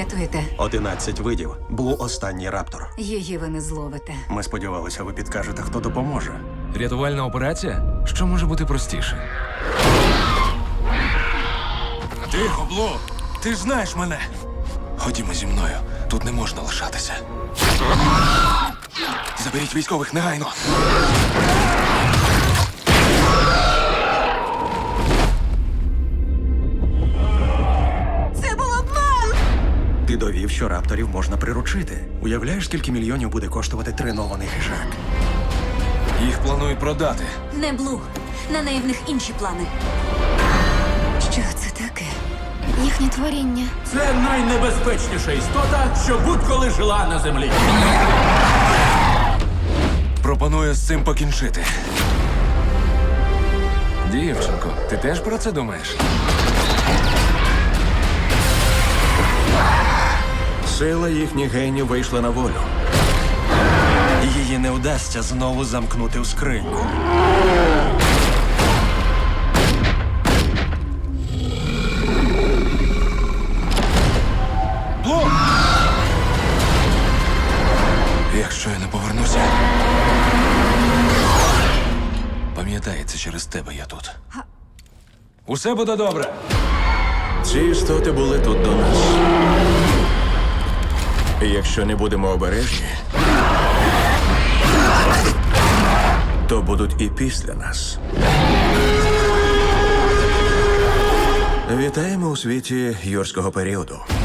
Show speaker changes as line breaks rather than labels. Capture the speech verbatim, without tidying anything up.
рятуєте?
Одинадцять видів. Блу останній раптор.
Її ви не зловите.
Ми сподівалися, ви підкажете, хто допоможе.
Рятувальна операція? Що може бути простіше?
Тихо, Блу! Ти ж знаєш мене. Ходімо зі мною. Тут не можна лишатися. Заберіть військових негайно.
Це був обман!
Ти довів, що рапторів можна приручити. Уявляєш, скільки мільйонів буде коштувати тренований хижак?
Їх планують продати.
Не Блу. На неї в них інші плани. Що це таке?
Їхнє творіння.
Це найнебезпечніша істота, що будь-коли жила на землі.
Пропоную з цим покінчити.
Дівчинко, ти теж про це думаєш?
Сила їхніх генів вийшла на волю. Її не вдасться знову замкнути в скриньку.
Блу! Якщо я не повернуся. Пам'ятай, це через тебе я тут.
Усе буде добре.
Ці істоти були тут до нас. І якщо не будемо обережні, то будуть і після нас. Вітаємо у світі юрського періоду.